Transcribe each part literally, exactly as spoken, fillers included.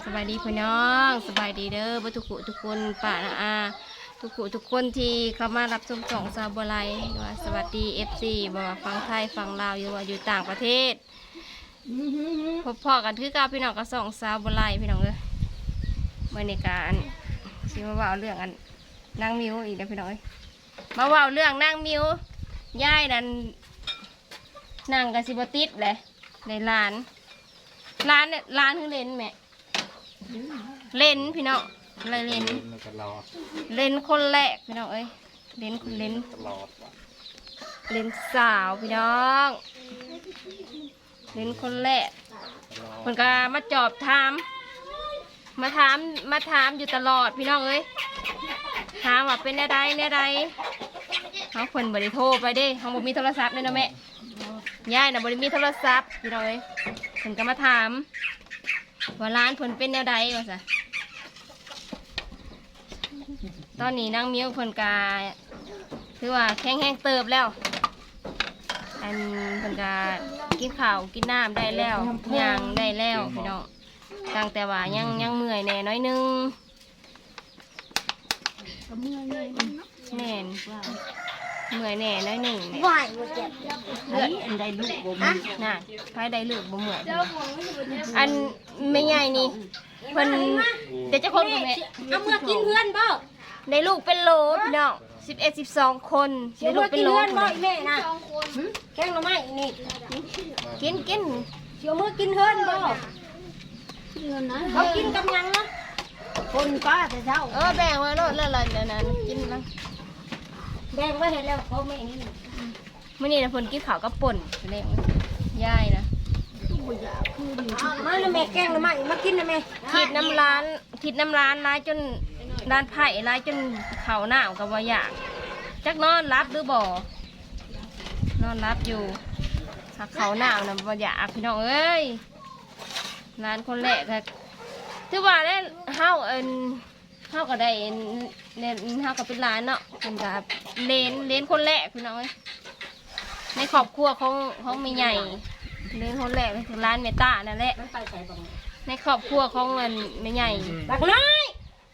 สบายดีพี่น้องสบายดีเด้อบ่ทุกผู้ทุกคนป้านะอาทุกผู้ทุกคนที่เข้ามารับชมช่องซาวบัวไลว่าสวัสดี เอฟ ซี บ่ว่าฟังไทยฟังลาวอยู่ว่าอยู่ต่างประเทศพบพ่อกันคือกับพี่น้องกับสองซาวบัวไลพี่น้องเอ้ยเมื่อในการสิมาเว้าเรื่องอันนางมิวอีกแล้วพี่น้องเอ้ยมาเว้าเรื่องนางมิวยายนั่นนางกะสิบ่ติดแหละในร้านร้านเนี่ยร้านคือเลนแม่เลนพี่น้องอะไรเลนเลนคนแรกพี่น้องเอ้ยเลนคนเลนเลนสาวพี่น้องเลนคนแรกมันก็มาจอบถามมาถามมาถามอยู่ตลอดพี่น้องเอ้ยถามว่าเป็นอะไรเนี่ยอะไรเขาคนบริโทรไปเด้เขาบอกมีโทรศัพท์เนี่ยนะแม่ยายน่ะบริมีโทรศัพท์พี่น้องเอ้ยเพิ่นก็มาถามว่าร้านเพิ่นเป็นแนวใดว่าซะตอนนี้นางมิ้วเพิ่นก็คือว่าแข็งแห้งเติบแล้วอันเพิ่นก็กินข้าวกินน้ำได้แล้วย่างได้แล้วพี่น้องตั้งแต่ว่ายังยังเมื่อยแน่น้อยนึงเมื่อยแน่แน่นเมื่อยแน่น้อยหนึ่งเนี่ยเลือดอันใดลูกบ่มีน่ะไผใดลูกบ่เหมือนอันไม่ใหญ่นี่เพิ่นเดี๋ยวจะคนกับแม่เอาเมื่อกินเพื่อนบ่ได้ลูกเป็นโหลพี่น้องสิบเอ็ดสิบสองคนได้ลูกเป็นโหลบ่แม่น่ะแกงหน่อไม้นี่กินกินเดี๋ยวเมื่อกินเพื่อนบ่เขากินกับยังนะคนป้าแต่เช้าเออแบ่งไว้โลดแล้วล่ะนั่นกินแล้วแบ่งไว้เห็นแล้วเขาไม่นี่มื่อนี้นะเพิ่นกินข้าวกับป่นเลี้ยงยายนะมาแล้วแม่แกงแล้วมาอีกมากินนะแม่ทิดน้ำร้านทิดน้ำร้านร้ายจนร้านไผ่ร้ายจนเข่าหน้ากับว่าอยากจักนอนรับหรือบ่นอนรับอยู่หักเข่าหน้านะว่าอยากพี่น้องเอ้ยร้านคนแรกค่ะถือว่าได้เฮาเอินเฮาก็ได้เนี่ยเฮาก็เป็นร้านเนาะเป็นกับเลนเลนคนแรกพี่น้องเอ้ยในครอบครัวของของไม่ใหญ่เลนคนแรกคือร้านเมตานั่นแหละในครอบครัวของเงินไม่ใหญ่บักน้อย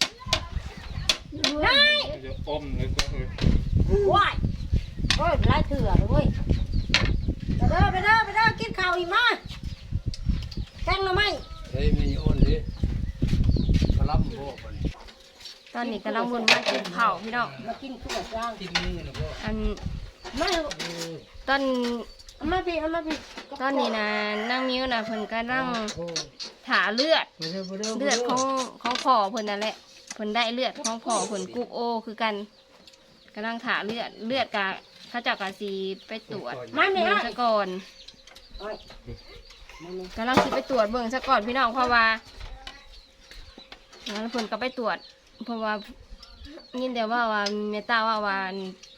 น้อยอมเลยก็คือว้ายโอ้ยไล่เถื่อเลยเว้ยไปเด้อไปเด้อไปเด้อกินข้าวอีกมาแกงหน่อไม้เฮ้ยมีอ้นดิกระลำพวกตอนนี้กำลังวนมากินข้าวพี่น้องมากินข้าวจ้างกินนี่นะพ่ออันไม่ตอนมาพี่มาพี่ตอนนี้นะนั่งนิ้วนะเพิ่นก็นั่งถาเลือดเลือดของของพ่อเพิ่นนั่นแหละเพิ่นได้เลือดของพ่อเพิ่นกุ๊กโอคือกันกำลังถาเลือดเลือดกะถ้าเจ้ากะสีไปตรวจเบิ่งซะก่อนกำลังสิไปตรวจเบิ่งซะก่อนพี่น้องเพราะว่าแล้วเพิ่นก็ไปตรวจเพราะว่ายินแต่ว่าว่าเมตาว่าวัน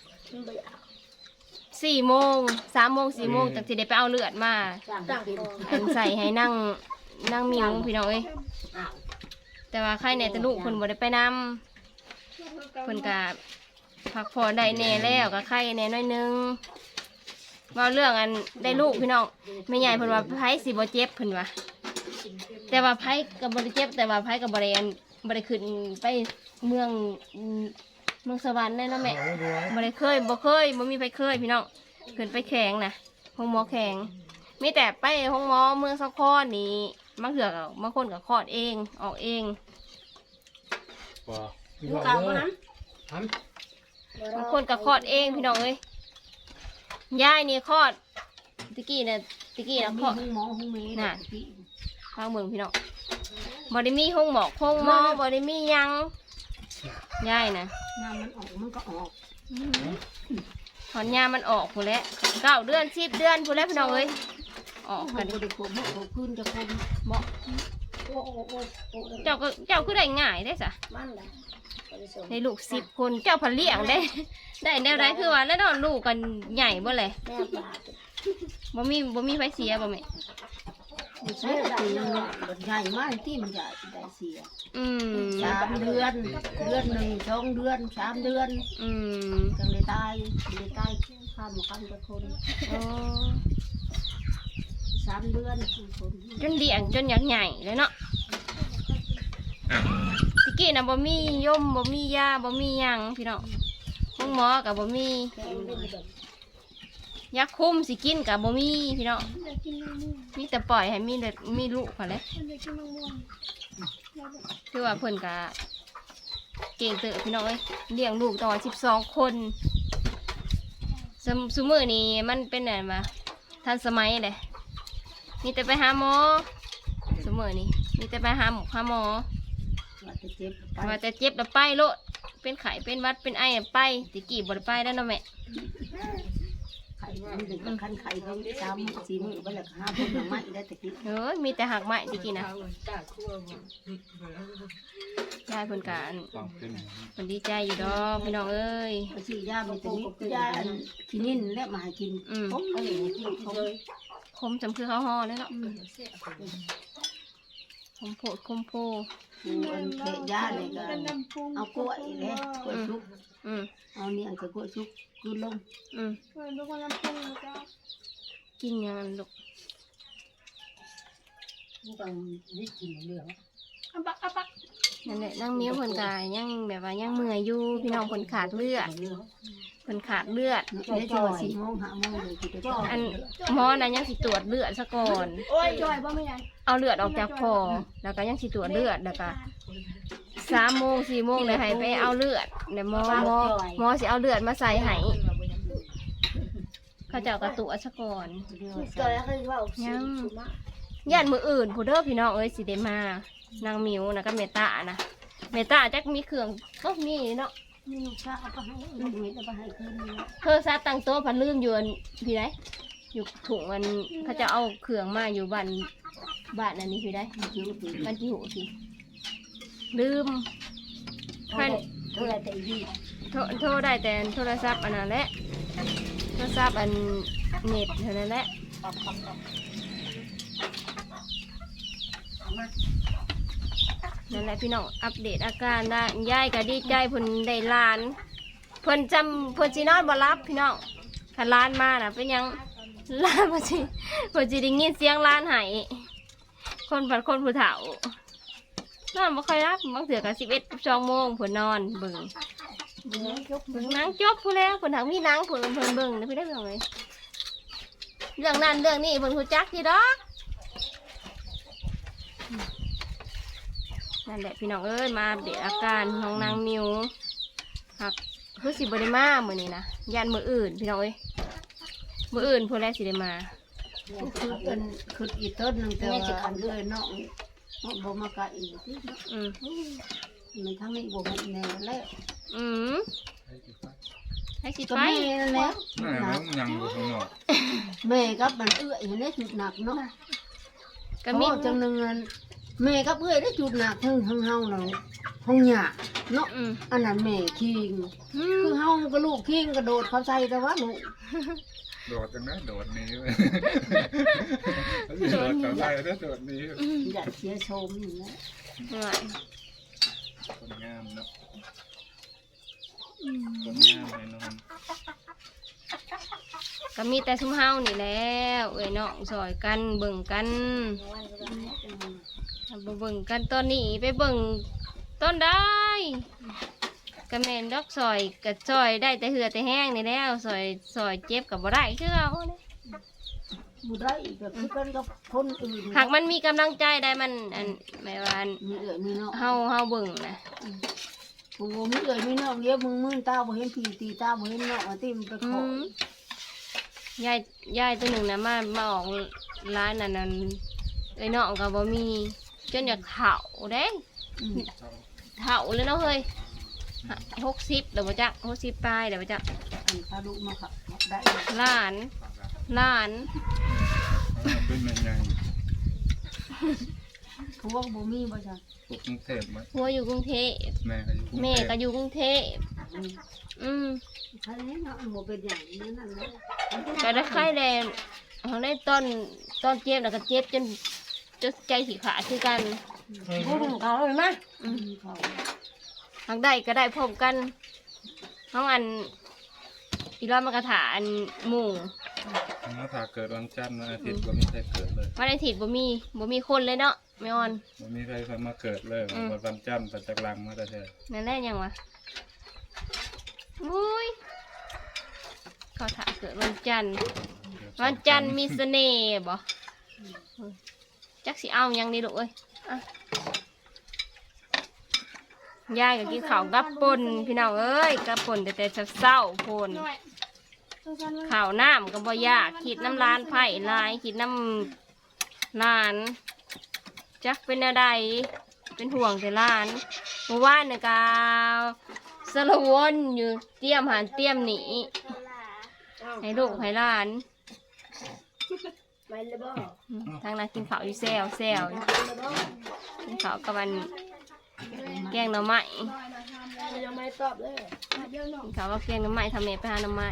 สี่โมงสามโมงสี่โมงจากที่ได้ไปเอาเลือดมาอันใส่ให้นั่งนั่งมิวพี่น้องเอ้ยแต่ว่าใครเนี่ยแต่ลูกเพิ่นบ่ได้ไปนำเพิ่นก็พักผ่อนได้แน่แล้วก็ไข้แน่น้อยนึงว่าเรื่องอันได้ลูกพี่น้องไม่ใหญ่เพิ่นว่าไผสิบ่เจ็บเพิ่นว่าแต่ว่าไผก็บ่ได้เจ็บแต่ว่าไผก็บ่ได้อันบ่ได้ขึ้นไปเมืองเมืองสวรรค์ได้เนาะแม่บ่ได้เคยบ่เคยบ่มีไปเคยพี่น้องขึ้นไปแข็งนะห้องหมอแข็งมีแต่ไปห้องหมอเมืองสะครนี่บางเถื่อบางคนก็คลอดเองออกเองอยู่เก่าบ่นั้นบางคนก็คลอดเองพี่น้องเอ้ยยายนี่คลอดตะกี้น่ะตะกี้น่ะคลอดห้องหมอห้องเมย์น่ะฟังเบิ่งพี่น้องบ่ได้มีห้องหมอห้องหมอบ่ได้มียังยายนะน้ำมันออกมันก็ออกถอนยามันออกผู้แล้วเก้าเดือนสิบเดือนผู้แล้วพี่น้องเอ้ยออกกันดิขึ้นจะคนเหมาะเจ้าก็เจ้าคือได้ง่ายได้สะในลูกสิบคนเจ้าผลิตได้ได้แนวใดคือว่าแล้วนอนลูกกันใหญ่บ่เลยบ่มีบ่มีไฟเสียบ่แม่ใช่ใหญ่มากที่มันใหญ่ได้เสียอืมสามเดือนเดือนหนึ่งสองเดือนสามเดือนอืมจังเลยตายเลยตายข้ามมาข้ามตะคนโอ้สามเดือนจนเดี่ยงจนอยากใหญ่เลยเนาะตะกี้น่ะบ่มียมบ่มียาบ่มีหยังพี่น้องห้องหมอกับบ่มียาคุมสิกินกับบ่มีพี่น้องมีแต่ปล่อยให้มีเด็ดมีลูกพอแล้วคือว่าเพิ่นกะเก่งเต๋อพี่น้องเอ้ยเลี้ยงลูกต่อสิบสองคนสมซุมื้อนี้มันเป็นอะไรมาทันสมัยเลยมีแต่ไปหาหมอซุมื้อนี้มีแต่ไปหาหมอหาหมอว่าจะเจ็บแล้วไปโลดเป็นไข้เป็นหวัดเป็นไอไปตะกี้บ่ได้ไปแล้วเนาะแม่ไข่มันถึงคันไข่เขาสามสี่มื้อไปแล้วห้าพุ่นหนังไม้ได้ตะกี้เอ้ยมีแต่หักไม้ตะกี้นะยายเพิ่นกะเพิ่นดีใจอยู่ดอกพี่น้องเอ้ยไปซื้อยามีแต่นี้ยาขี้นิ่นและมาให้กินผมอะไรกินผมคมจำคือข้าวห่อเลยเนาะคมโพดคมโพมันเทยาเลยก็เอากล้วยเลยกล้วยชุบเอาเนี่ยกับกล้วยชุบกินลงอืมกินยังลูกต้องได้กินเรื่องอัปักอัปักนั่นแหละนั่งมิ้วคนกายยังแบบว่ายังเมื่อยอยู่พี่น้องคนขาดเลือดคนขาดเลือดได้จ่อยโมงหาโมงเลยอันหมอนะยังสิตรวจเลือดซะก่อนเอาเลือดออกจากคอแล้วก็ยังสิตรวจเลือดแล้วก็สามโมงสี่โมงเลยให้ไปเอาเลือดเดี๋ยวหมอหมอหมอสิเอาเลือดมาใส่ให้เขาจะกระตุกซะก่อนยังย่านมืออื่นผู้เด้อพี่น้องเอ้ยสิเดมานางมิวนะก็เมตานะเมตาจักมีเครื่องก็มีเนาะมีลูกชายเอาไปให้ลูกเม็ดเอาไปให้คืนเธอซาตั้งโต๊ะพันลืมอยู่พี่ได้อยู่ถุงมันเขาจะเอาเครื่องมาอยู่บ้านบ้านอันนี้พี่ได้บ้านที่หูพี่ลืมพันโทรแต่ยี่โทรได้แต่โทรศัพท์อันนั้นแหละโทรศัพท์อันเน็ตเท่านั้นแหละนั่นแหละพี่น้องอัปเดตอาการได้ยายก็ดีใจเพิ่นได้ลานเพิ่นจำเพิ่นจีนอนบ่รับพี่น้องถ้าลานมาน่ะเป็นยังลานเพิ่นจีเพิ่นจีได้ยินเสียงลานหายคนผัดคนผู้เฒ่านอนบ่ค่อยรับบางเถื่อก็สิบเอ็ดสองโมงเพิ่นนอนเบิ่งเบิ่งหนังจบผู้แล้วเพิ่นถังมีหนังเพิ่นเพิ่นเบิ่งนะพี่ได้เบิ่งเลยเรื่องนั้นเรื่องนี้เพิ่นรู้จักที่ดอกนั่นแหละพี่น้องเอ้ยมาอัปเดตอาการของนางมิวหักคือสิบริมาเหมือนนี้นะยันมืออื่นพี่น้องเอ้ยมืออื่นพวกแรกสิได้มาคือเป็นคืออีต้นนึงแต่ว่าเลยเนาะเนาะบ่มากะอีกที่อืมมันทั้งนี้บ่หมดแน่แล้วอืมให้สิไปแล้วแม่ยังบ่ทำหรอกแม่กับมันเอื้อยเห็นได้จุดหนักเนาะก็มีจังนึงแม่กับเอื้อยได้จุดหนักทั้งทั้งเฮาเนาะห้องหยาเนาะอันนั้นแม่คิงคือเฮาก็ลูกคิงกระโดดเขาใส่แต่ว่าลูกโดดจังนะโดดนี้โดดเขาใส่แล้วโดดนี้อยากเสียชมอยู่นะคนงามเนาะคนงามเลยนอนก็มีแต่ซุ่มเฮานี่แล้วเอ้ยน้องซอยกันเบิ่งกันเบิ่งกันตอนนี้ไปเบิ่งต้นได้กระแมนดอกซอยกับซอยได้แต่เหือแต่แห้งนี่แล้วซอยซอยเจ็บกับบ่ได้คือเอาเนี่ยบ่ได้แบบคือกันกับคนอื่นหากมันมีกำลังใจได้มันอันหมายว่ามีเอื้อยมีน้องเฮาเฮาเบิ่งนะโอ้มีเอื้อยมีน้องเดี๋ยวมึงมึงตาบ่เห็นพี่ตีตาบ่เห็นน้องติมไปขอยายยายตัวหนึ่งนะมามาออกร้านนั่นนั่นไอ้น้องก็บ่มีจนอยากเฒ่าเด้เฒ่าเลยเนาะเฮ้ยหกสิบเดี๋ยวมาจักหกสิบปลายเดี๋ยวมาจักอันพาลูกมาค่ะได้ล้านล้านเป็นยังไงพวกบ่มีบ่จ้ะกรุงเทพมั้ยพัวอยู่กรุงเทพแม่ก็อยู่แม่ก็อยู่กรุงเทพอืมใช่เนาะบ่เป็นอย่างนี้นั่นแหละก็ได้ไข้แดงเขาได้ต้นต้นเจ็บแล้วก็เจ็บจนจนใจขี้ขาดคือกันพูดเขาเลยมั้ยทางได้ก็ได้พบกันห้องอันอีร้อยมากระถาอันหมู่มาถาเกิดวันจันทร์วันอาทิตย์บ่มีใครเกิดเลยวันอาทิตย์บ่มีบ่มีคนเลยเนาะไม่อ่อนมันมีใครเคยมาเกิดเลยว่าวันจันทร์ปัจจักรังมาแต่เธอนั่นแหละยังวะอุ้ยเขาถามเกิดวันจันทร์วันจันทร์มีเสน่ห์บ่จักสิเอายังดีลูกเอ้ยอ่ะยายก็กินข้าวกับป่นพี่น้องเอ้ยกับป่นแต่แต่เศร้าๆป่นข้าวน้ำก็บ่ยากขีดน้ำลานไผ่ลายขีดน้ำลานจักเป็นอะไรเป็นห่วงแต่ลานเมื่อวานเนี่ยก็สารวนอยู่เตรียมหันเตรียมหนีให้ลูกให้หลานทางนั้นกินข้าวอยู่แซวแซวกินข้าวกับมันแกงหน่อไม้ยังไม่ตอบเลยกินข้าวกับแกงหน่อไม้ทำเมไปหาหน่อไม้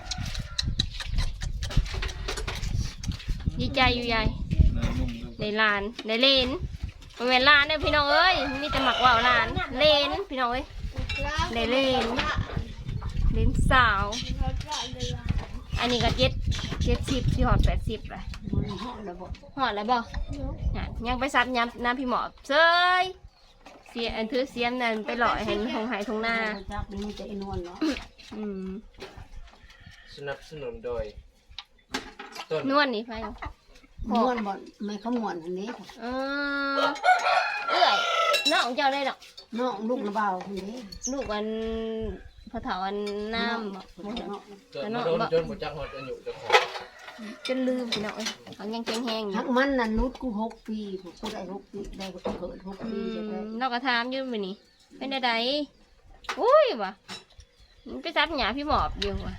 ดีใจอยู่ยายในลานในเลนมันเป็นลานเนี่ยพี่น้องเอ้ยมีแต่หมักว่าวลานเลนพี่น้องเอ้ยในเลนเลนสาวอันนี้ก็เจ็ดเจ็ดสิบที่หอดแปดสิบเลยหอดแล้วบ่หอดแล้วบ่ยังไปซับย้ำน้ำพี่หมอบเซยเสียอันถือเสียมนั่นไปหล่อเห็นหงหายทงหน้าอืมสนับสนุนโดยนวลนี่ไปม่วนบ่ไม่เขาม่วนอันนี้เออเอ้ยน้องเจ้าได้ดอกน้องลูกระเบาคนนี้ลูกวันพอเถาวันน้ำบ่เกิดมาโดนจนหมดจักหมดอายุเจะของจนลืมพี่น้องเอ้ยเขายังแข็งแห้งอยู่ทักมันน่ะนุดกูหกปีกูได้หกปีได้กูเกิดหกอืปีจะได้มเราก็ถามอยู่มื้อนี้เป็นใดๆอุ้ยว่ะมันไปซับหยาพี่หมอบอยู่ว่ะ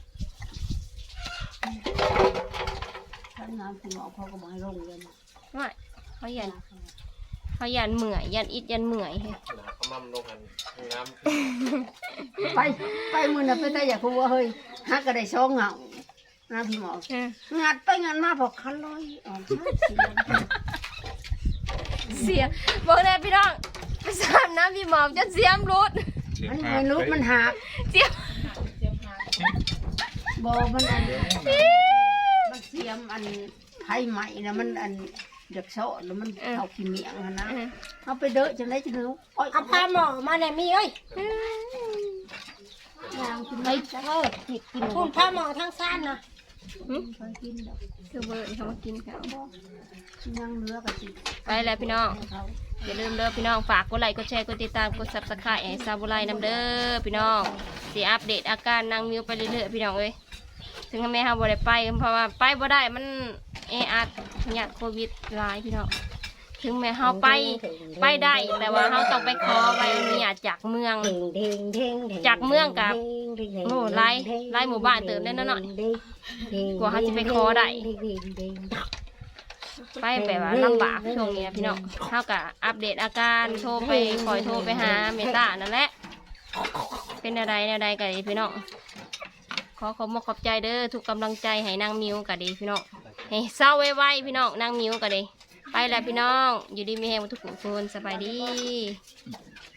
ท่านน้ำพี่หมอเขาก็มาให้ลงเลยนะว่าเขายันเขายันเหมื่อยยันอิดยันเหมื่อยให้หนาเขามั่มลงกันน้ไปไปมือน่ะไปแต่อยากพูดว่าเฮ้ยฮักก็ได้ช่องเหงาน้ำพี่หมอเอองัดไปงัดมาพอคันลอยออกมาเสียเสียบอกเลยพี่น้องไปซับน้ำพี่หมอบจนเสียมรุดมันไม่รู้มันหักเสียมบอมันอันมันเสียมอันไทยใหม่นะมันอันเด็กโซ่แล้วมันเอาขี้เมียงนะเอาไปเด้อจังไรจังเลยเอาพาหมอมาเนี่ยมีเอ้ยยางกินไม่เออกินกินคุณพาหมอทั้งสั้นนะเคยกินดอกคือเบิร์ดเขามากินเขายังเนื้อกับสิไปแล้วพี่น้องอย่าลืมเด้อพี่น้องฝากกดไลค์กดแชร์กดติดตามกดซับสไครต์ให้ซาบุไรน้ำเด้อพี่น้องสิอัปเดตอาการนางมิวไปเรื่อยๆพี่น้องเอ้ยถึงแม่เฮาบ่ได้ไปเพราะว่าไปบ่ได้มันแออัดเนี่ยโควิดหลายพี่น้องถึงแม่เฮาไปไปได้แต่ว่าเฮาต้องไปขอใบอนุญาตจากเมืองจากเมืองกับโอ้ไล่ไล่หมู่บ้านเติมได้น้อยๆกว่าเฮาจะไปขอได้ไปแบบว่าลำบากช่วงนี้นะพี่น้องเฮาก็อัปเดตอาการโทรไปคอยโทรไปหาเมตานั่นแหละเป็นอะไรแนวใดกันพี่น้องขอขอบขอบใจเด้อทุกกำลังใจให้นางมิวกันดีพี่น้องให้เศร้าไว้ๆพี่น้องนางมิวกันดีไปแล้วพี่น้องอยู่ดีมีแฮงทุกคนสบายดี